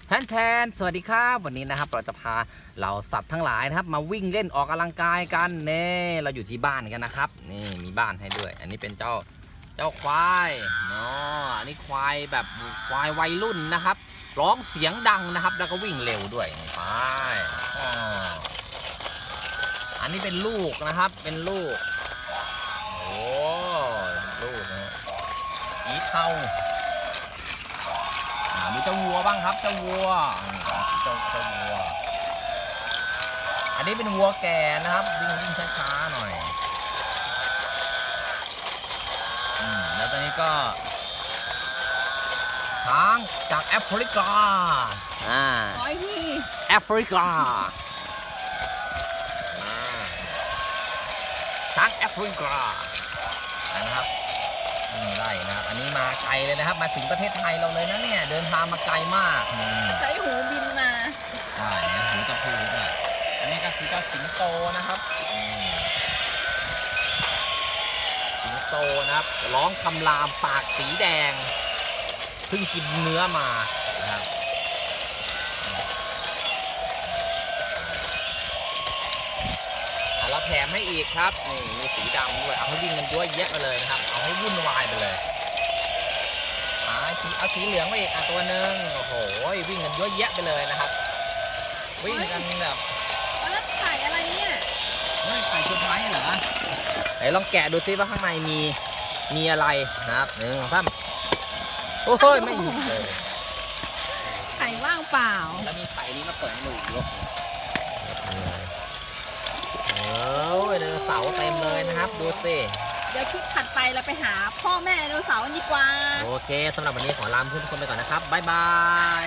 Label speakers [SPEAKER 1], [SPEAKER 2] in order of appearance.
[SPEAKER 1] แทนสวัสดีครับวันนี้นะครับเราจะพาเราสัตว์ทั้งหลายนะครับมาวิ่งเล่นออกกำลังกายกันนี่เราอยู่ที่บ้านกันนะครับนี่มีบ้านให้ด้วยอันนี้เป็นเจ้าควายเนาะอันนี้ควายแบบควายวัยรุ่นนะครับร้องเสียงดังนะครับแล้วก็วิ่งเร็วด้วยนี่ไปอันนี้เป็นลูกนะครับเป็นลูกโอ้ลูกนะสีเทามีเจ้าวัวบ้างครับเจ้าวัวเจ้าวัวอันนี้เป็นวัวแก่นะครับวิ่งช้าๆหน่อยแล้วตอนนี้ก็ช้างจากแอฟริกา
[SPEAKER 2] ร้อยพี่
[SPEAKER 1] แอฟริกาช้างแอฟริกานะครับได้นะครับอันนี้มาไกลเลยนะครับมาถึงประเทศไทยเราเลยนะเนี่ยเดินทางมาไกลมาก
[SPEAKER 2] ใช้หูบินมา
[SPEAKER 1] ใช่นะหูตะพูด้วยอันนี้ก็คือเจ้าสิงโตนะครับสิงโตนะครับร้องคำรามปากสีแดงเพิ่งกินเนื้อมานะครับเราแถมให้อีกครับนี่มีสีดำด้วยเอาให้วิ่งกันด้วยแยะไปเลยนะครับเอาให้วุ่นวายไปเลยเอาสีเหลืองไปอีกตัวหนึ่งโอ้โหวิ่งกันเยอะแยะไปเลยนะครับวิ่งกันแบบ
[SPEAKER 2] แล้วไข่อะไรเนี่ย
[SPEAKER 1] ไข่ชุดไม้เหรอไหนลองแกะดูซิว่าข้างในมีอะไรนะครับหนึ่งสามโอ้ยไม่มีเลย
[SPEAKER 2] ไข่ว่างเปล่า
[SPEAKER 1] แล้วมีไข่นี้มาเปิดให้ดูอีกรอบไดโนเสาร์เต็มเลยนะครับดูสิ
[SPEAKER 2] เดี๋ยวคลิปถัดไปเราไปหาพ่อแม่ไดโนเสาร์กันดีกว่า
[SPEAKER 1] โอเคสำหรับวันนี้ขอลาเพื่อนทุกคนไปก่อนนะครับบ๊ายบาย